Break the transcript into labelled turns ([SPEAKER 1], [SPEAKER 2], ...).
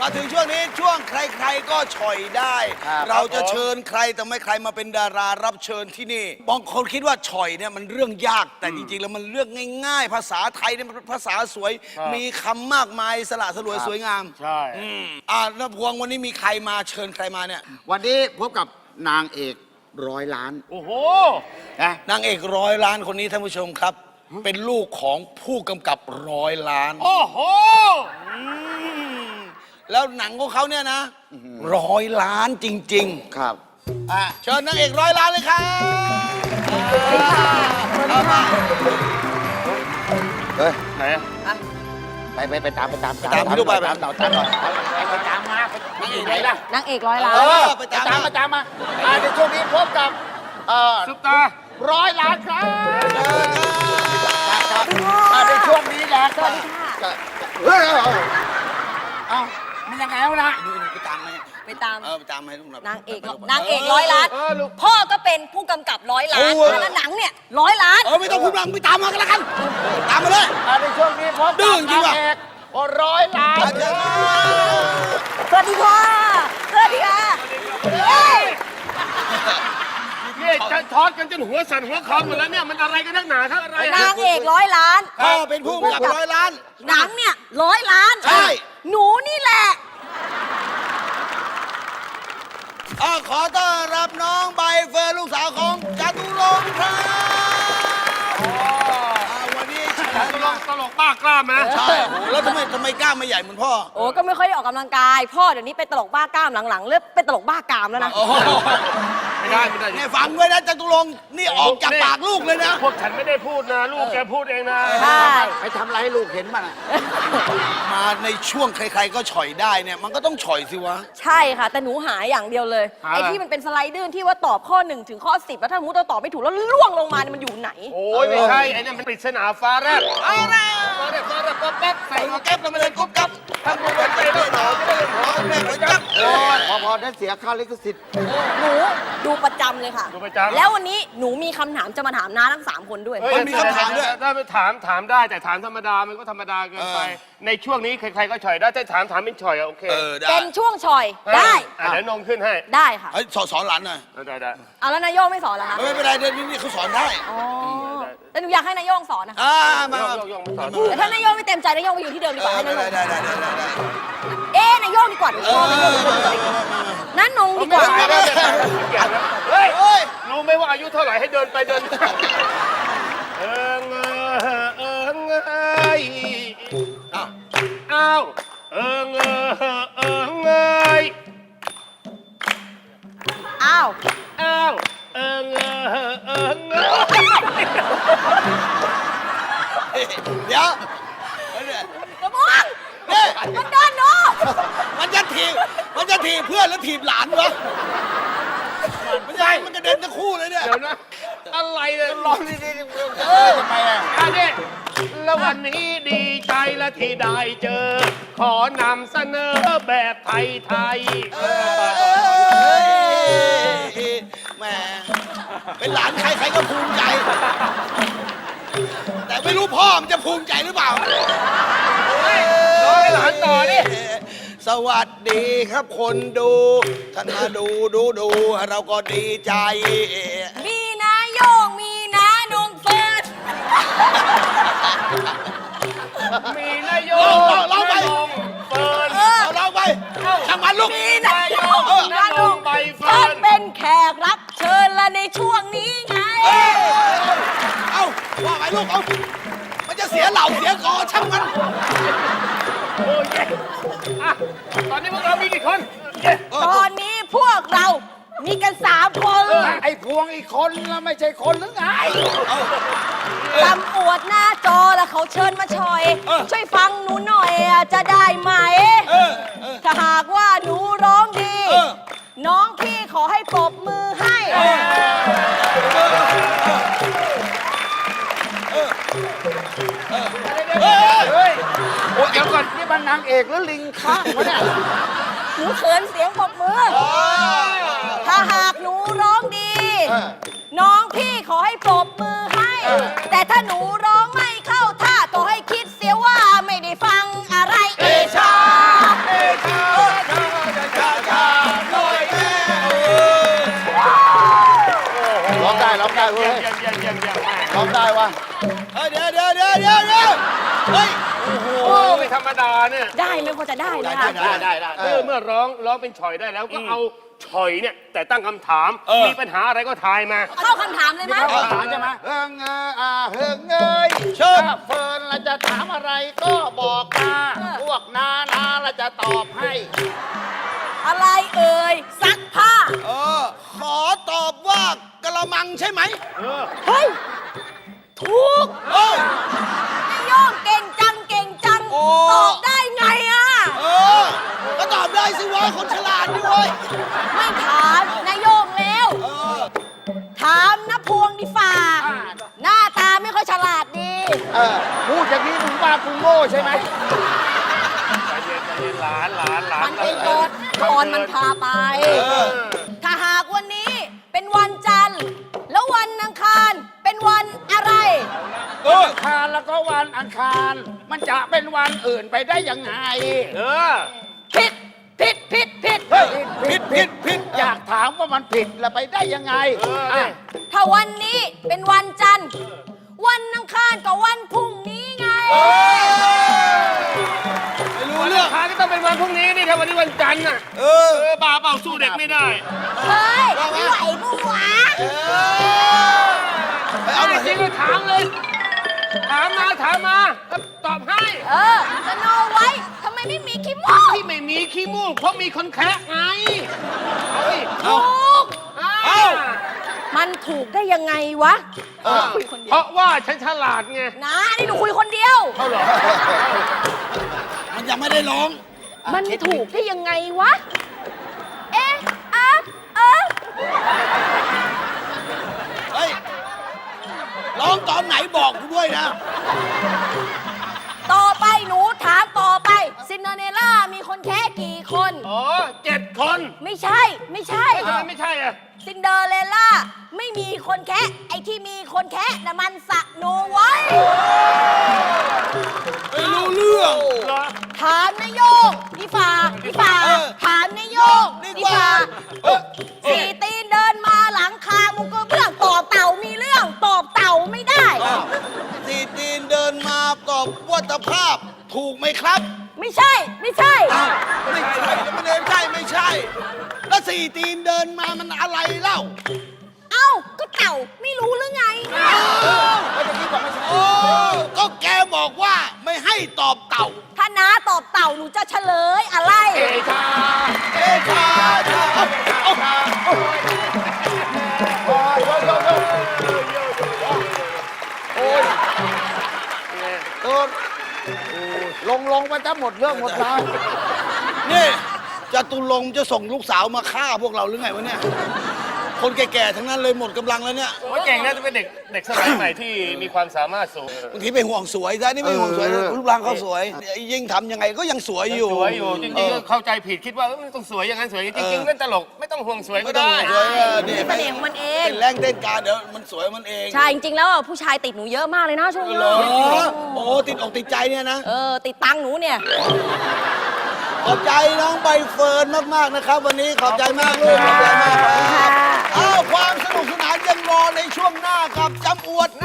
[SPEAKER 1] มาถึงช่วงนี้ช่วงใครๆก็ฉ่อยได้ เราจะเชิญใครแต่ไม่ใครมาเป็นดารารับเชิญที่นี่บางคนคิดว่าฉ่อยเนี่ยมันเรื่องยากแต่จริงๆแล้วมันเรื่องง่ายๆ ภาษาไทยเนี่ยมันภาษาสวยมีคำมากมายสละสลวยสวยงาม
[SPEAKER 2] ใช่
[SPEAKER 1] แล้วพวงวันนี้มีใครมาเชิญใครมาเนี่ย
[SPEAKER 3] วันนี้พบกับนางเอก100 ล้าน
[SPEAKER 2] โอ้โห
[SPEAKER 1] นางเอก100 ล้านคนนี้ท่านผู้ชมครับเป็นลูกของผู้กำกับ100 ล้าน
[SPEAKER 2] โอ้โห
[SPEAKER 1] แล้วหนังของเขาเนี่ยนะ100 ล้านจริงๆ
[SPEAKER 3] ครับ
[SPEAKER 1] เชิญนางเอก100 ล้านเลยครับ
[SPEAKER 3] เฮ้ย
[SPEAKER 2] ไหน
[SPEAKER 3] ไปตาม
[SPEAKER 1] พี่ลูกไป
[SPEAKER 3] ตามก่อนไปตามมานางเอกไหนล่ะ
[SPEAKER 4] นางเอก100 ล้าน
[SPEAKER 3] ไปตามมาในช่วงนี้พบกับ
[SPEAKER 2] ซุปตา
[SPEAKER 3] 100 ล้านครับในช่วงนี้นะ
[SPEAKER 4] สวัสดีค่ะ
[SPEAKER 3] มันยังไงแล้วนะ
[SPEAKER 1] ไปตามไหม
[SPEAKER 4] ไปตาม
[SPEAKER 1] ไปตามให้ลูก
[SPEAKER 4] นางเอก100 ล้านพ่อก็เป็นผู้กำกับ100 ล้านแล้วหนังเนี่ย100 ล้าน
[SPEAKER 1] ไม่ต้องพูดดังไปตามมากันแล้วกันตามมาเลย
[SPEAKER 3] ในช่วงนี้พบกับนางเอก100 ล้าน
[SPEAKER 4] สวัสดีค่ะสวัสดีค่ะ
[SPEAKER 2] นี่จะทอดกันจนหัวสั่นหัวคอหมดแล้วเนี่ยมันอะไรกันนักหนาครับอะไร
[SPEAKER 4] นางเอก100 ล้าน
[SPEAKER 1] พ่อเป็นผู้กำกับ100 ล้าน
[SPEAKER 4] หนังเนี่ย100 ล้าน
[SPEAKER 1] ใช่
[SPEAKER 4] หนูนี่แหละ
[SPEAKER 1] ขอต้อนรับน้องใบเฟิร์นลูกสาวของจตุรงค์ครับวันนี้
[SPEAKER 2] ตลกบ้ากล้าไหม
[SPEAKER 1] ใช่แล้วทำไมกล้ามไม่ใหญ่เหมือนพ่อ
[SPEAKER 4] ก็ไม่ค่อยได้ออกกำลังกายพ่อเดี๋ยวนี้เป็นตลกบ้ากล้ามหลังๆเริ่มเป็นตลกบ้ากามแล้วนะ
[SPEAKER 2] ไม่ได้
[SPEAKER 1] เนี่ยฟังไว้นะจตุรงค์นี่ออกจากปากลูกเลยนะ
[SPEAKER 2] พวกฉันไม่ได้พูดนะลูกแกพูดเองนะ
[SPEAKER 4] ใช่
[SPEAKER 3] ไปทำอะไรให้ลูกเห็นบ้าง
[SPEAKER 1] มาในช่วงใครๆก็ฉ่อยได้เนี่ยมันก็ต้องฉ่อยสิวะ
[SPEAKER 4] ใช่ค่ะแต่หนูหาอย่างเดียวเลยไอ้ที่มันเป็นสไลเดอร์ที่ว่าตอบข้อ1ถึงข้อ10แล้วถ้าสมมติเราตอบไม่ถูกแล้วล่วงลงมาเนี่ยมันอยู่ไหน
[SPEAKER 2] โอ้ยไม่ใช่ไอ้นั่นมันปริศนาฟ้าแรกฟ้าแรกป๊บแป๊บใส่
[SPEAKER 1] แก๊ปแล้วมาเลยกุ๊บกับ
[SPEAKER 2] ทำบุญวันใจด้วยหนอไม่ได้หนอไม่ได้จับ
[SPEAKER 3] พอได้เสียค่าลิขสิทธิ์
[SPEAKER 4] หนูดูประจำเลยค่ะ
[SPEAKER 2] ดูประจำ
[SPEAKER 4] แล้ววันนี้หนูมีคำถามจะมาถามน้าทั้ง3 คนด้วย
[SPEAKER 1] มีคำถามด้วย
[SPEAKER 2] ถ้าไปถามได้แต่ถามธรรมดามันก็ธรรมดาเกินไปในช่วงนี้ใครๆก็ฉ่อยได้แต่ถามเป็นฉ่อยโอเค
[SPEAKER 4] เป็นช่วงฉ่อยได้
[SPEAKER 2] เดี๋ยวนงขึ้นให้
[SPEAKER 4] ได้ค่ะ
[SPEAKER 1] สอนหลานหน่อย
[SPEAKER 2] ได้
[SPEAKER 4] แล้วนายโยงไม่สอนเหรอคะ
[SPEAKER 1] ไม่เป็นไรเดี๋ยวนี้เขาสอนได้
[SPEAKER 4] แต่หนูอยากให้นายโยงสอนนะคะ
[SPEAKER 1] มา
[SPEAKER 4] แต่ถ้านายโยงไม่เต็มใจนายโยงไปอยู่ที่เดิมดีกว่าให้นายโยง
[SPEAKER 1] ได้
[SPEAKER 4] นายโยงดีกว่านั่นนงดีกว่า
[SPEAKER 2] เฮ้ยรู้ไหมว่าอายุเท่าไหร่ให้เดินไปเดินอ้าว
[SPEAKER 1] เดี๋ยว
[SPEAKER 4] กระมวงมันโดนหนู
[SPEAKER 1] มันจะถีบเพื่อนแล้วถีบหลานวะไม่ใช่มันกระเด็นทั้งคู่เลยเนี่ย
[SPEAKER 2] เดี๋ยวนะอะไรเนี่ย
[SPEAKER 3] ร้องนี่ทำไม
[SPEAKER 2] เนี่ยแล้ววันนี้ดีใจและที่ได้เจอขอนำเสนอแบบไทย
[SPEAKER 1] แหมเป็นหลานใครก็ภูมิใจแต่ไม่รู้พ่อมันจะภูมิใจหรือเปล่า
[SPEAKER 2] หลานต่อนี่
[SPEAKER 1] สวัสดีครับคนดูท่านมาดูเราก็ดีใจ
[SPEAKER 4] มีนาโยงมีนานงเฟิร์น
[SPEAKER 2] มีนายโยง
[SPEAKER 1] เราไป
[SPEAKER 2] เฟิร์น
[SPEAKER 1] เราไปทำมันลูก
[SPEAKER 4] มีนายโยงมีนานงเฟิร์นเป็นแขกรับเชิญละในช่วงนี้ไง
[SPEAKER 1] ว่าไปลูกมันจะเสียเหล่าเสียกอช่างมัน
[SPEAKER 2] โอ้ยตอนนี้พวกเรามีกี่คน
[SPEAKER 4] ตอนนี้พวกเรามีกัน3 คน
[SPEAKER 3] ไอ้พวงอีกคนแล้วไม่ใช่คนหรือไง
[SPEAKER 4] ตำอวดหน้าจอแล้วเขาเชิญมาชอยช่วยฟังหนูหน่อยจะได้ไหมถ้าหากว่าหนูร้องดีน้องพี่ขอให้ปรบมือให้
[SPEAKER 3] เดี๋ยวก่อนนี่มันนางเอกหรือลิงข้างวะเนี่ย
[SPEAKER 4] หนูเขินเสียงปรบมือถ้าหากหนูร้องดีน้องพี่ขอให้ปรบมือให้แต่ถ้าหนูร้องไม่เข้าท่าก็ให้คิดเสียว่าไม่ได้ฟังอะไรเอชา
[SPEAKER 2] โอ้ไม่ธรรมดาเนี่ย
[SPEAKER 4] ได้ไหมพอจะได้ไหมคะ
[SPEAKER 3] ได้
[SPEAKER 2] เมื่อร้องเป็นฉ่อยได้แล้วก็เอาฉ่อยเนี่ยแต่ตั้งคำถาม มีปัญหาอะไรก็ทายมา
[SPEAKER 4] เข้าคำถามเลยไหม
[SPEAKER 3] เข้าถามใช่ไหมเฮิงเงเฮิงเงย
[SPEAKER 1] เชิญ
[SPEAKER 3] ถ้าเฟิร์นเราจะถามอะไรก็บอกมาพวกนาเราจะตอบให้
[SPEAKER 4] อะไรเอ่ยซักผ้า
[SPEAKER 1] ขอตอบว่ากระมังใช่ไหม
[SPEAKER 4] เฮ้ย ถูก
[SPEAKER 1] เออน
[SPEAKER 4] ายโยงเก่งจังเก่งจัง
[SPEAKER 1] โอ้
[SPEAKER 4] ตอบได้ไงอ่ะ
[SPEAKER 1] ก็ตอบได้สิวะคนฉลาดด้วย
[SPEAKER 4] ไม่ถามนายโยงแล้ว ถามนะพวงดีฝ่า หน้าตาไม่ค่อยฉลาดดี
[SPEAKER 3] พูดอย่างนี้มึงว่ากูโง่ใช่ไหม
[SPEAKER 2] ใจเย็นหลาน
[SPEAKER 4] มันเป็นกฎตอนมันพาไป ถ้าหากวันนี้เป็นวันจันทร์ แล้ววันอังคารเป็นวันอะไร
[SPEAKER 3] อังคารแล้วก็วันอังคาร มันจะเป็นวันอื่นไปได้ยังไง
[SPEAKER 4] ผิด ผิด ผิด ผิด
[SPEAKER 1] ผิด
[SPEAKER 3] อยากถามว่ามันผิดแล้วไปได้ยังไง
[SPEAKER 4] ถ้าวันนี้เป็นวันจันทร์ วันอังคารกับวันพรุ่งนี้ไง
[SPEAKER 1] ไม่รู้
[SPEAKER 2] วัน
[SPEAKER 1] เรื่
[SPEAKER 2] อั
[SPEAKER 1] อง
[SPEAKER 2] งคารก็ต้องเป็นวันพรุ่งนี้นี่ถ้าวันนี้วันจันทร์น่ะบ้าเปล่าสู้เด็กไม่ได้
[SPEAKER 4] เฮ้ยไม่ไหวปุ๊วะ
[SPEAKER 1] ไปเอาหน่อย
[SPEAKER 2] จริงก็ถามเลย ถามมาก็ตอบให้
[SPEAKER 4] สโนไว้ทำไมไม่มีขี้มูก
[SPEAKER 2] ที่ไม่มีขี้มูกเพราะมีคนแคะไงเอาดิ
[SPEAKER 4] ถูก
[SPEAKER 2] เอา
[SPEAKER 4] มันถูกได้ยังไงวะคุยคนเดี
[SPEAKER 2] เพ
[SPEAKER 4] ยว
[SPEAKER 2] ราะว่าฉันฉลาดไง
[SPEAKER 4] นะนี่หนูคุยคนเดียว
[SPEAKER 2] เขาเหรอ
[SPEAKER 1] มันยังไม่ได้ร้อง
[SPEAKER 4] มันถูกได้ยังไงวะ เอ๊ะอะเออ
[SPEAKER 1] เฮ้ย ร้องตอนไหนบอกกูด้วยนะ
[SPEAKER 4] ต่อไปหนูถามต่อไปซินเดอเรลล่ามีคนแค่กี่คน
[SPEAKER 2] อ๋อ7 คน
[SPEAKER 4] ไม่ใช่ ไม่ใช่
[SPEAKER 2] ทำไมไม่ใช่อ่ะ
[SPEAKER 4] ซินเดอเรลล่าไม่มีคนแค่ไอ้ที่มีคนแค่น่ะมันสะโนไว้
[SPEAKER 1] ไม่รู้เรื่อง
[SPEAKER 2] เหรอ
[SPEAKER 4] ถามนายโยงพี่ฝ่าถามนายโยง
[SPEAKER 1] ดี
[SPEAKER 4] พี่
[SPEAKER 1] กว่า
[SPEAKER 4] ฝ่าสี่ตีนเดินมาหลังคามุกกระเบื้องตอบเต่ามีเรื่องตอบเต่าไม่ได้
[SPEAKER 1] สี่ตีนเดินมาตอบวัตภาพ ถูกไหมครับ
[SPEAKER 4] ไม่ใช่ ไม่ใช่
[SPEAKER 1] ไม่ใช่ไม่ใช่ แล้วสี่ตีนเดินมามันอะไรเล่า
[SPEAKER 4] เอ้าก็เต่าไม่รู้หรือไง
[SPEAKER 1] โอ้ก็แกบอกว่าไม่ให้ตอบเต่า
[SPEAKER 4] ถ้าน้าตอบเต่าหนูจะเฉลยอะไร
[SPEAKER 1] เอชา
[SPEAKER 3] ลงไปจะหมดเรื่องหมดราว
[SPEAKER 1] นี่จตุรงค์จะส่งลูกสาวมาฆ่าพวกเราหรือไงวะเนี่ย คนแก่ๆทั้งนั้นเลยหมดกำลังแล้วเนี่ย
[SPEAKER 2] โอ้ยเก่งนะจะเป็นเด็กสมัยใหม่ที่มีความสามารถสูง
[SPEAKER 1] บางทีไปห่วงสวยซะนี่ไม่ห่วงสวยรูปร่างเขาสวย ยิ่งทำยังไงก็ยังสวยอยู่
[SPEAKER 2] สวยอยู่จริงๆก็เข้าใจผิดคิดว่ามันต้องสวยอย่างนั้นสวยจริงๆเล่นตลกไม่ต้องห่วงสวยก็
[SPEAKER 1] ไม่ต้อง
[SPEAKER 2] ได้
[SPEAKER 1] ห่วงสวยนี่
[SPEAKER 4] เสน่ห์ของมันเอง
[SPEAKER 1] เป็นแรงเต้นการเดี๋ยวมันสวยมันเอง
[SPEAKER 4] ใช่ จริงๆแล้วอ่ะผู้ชายติดหนูเยอะมากเลยนะช่วงนี้
[SPEAKER 1] เหรอโอ้ติดอกติดใจเนี่ยนะ
[SPEAKER 4] ติดตังค์หนูเนี่ย
[SPEAKER 1] ขอบใจน้องใบเฟิร์นมากๆนะครับ วันนี้ขอบใจมากลูกขอบใจมากครับอ้าวความสนุกสนานยังรอในช่วงหน้ากับจำอวด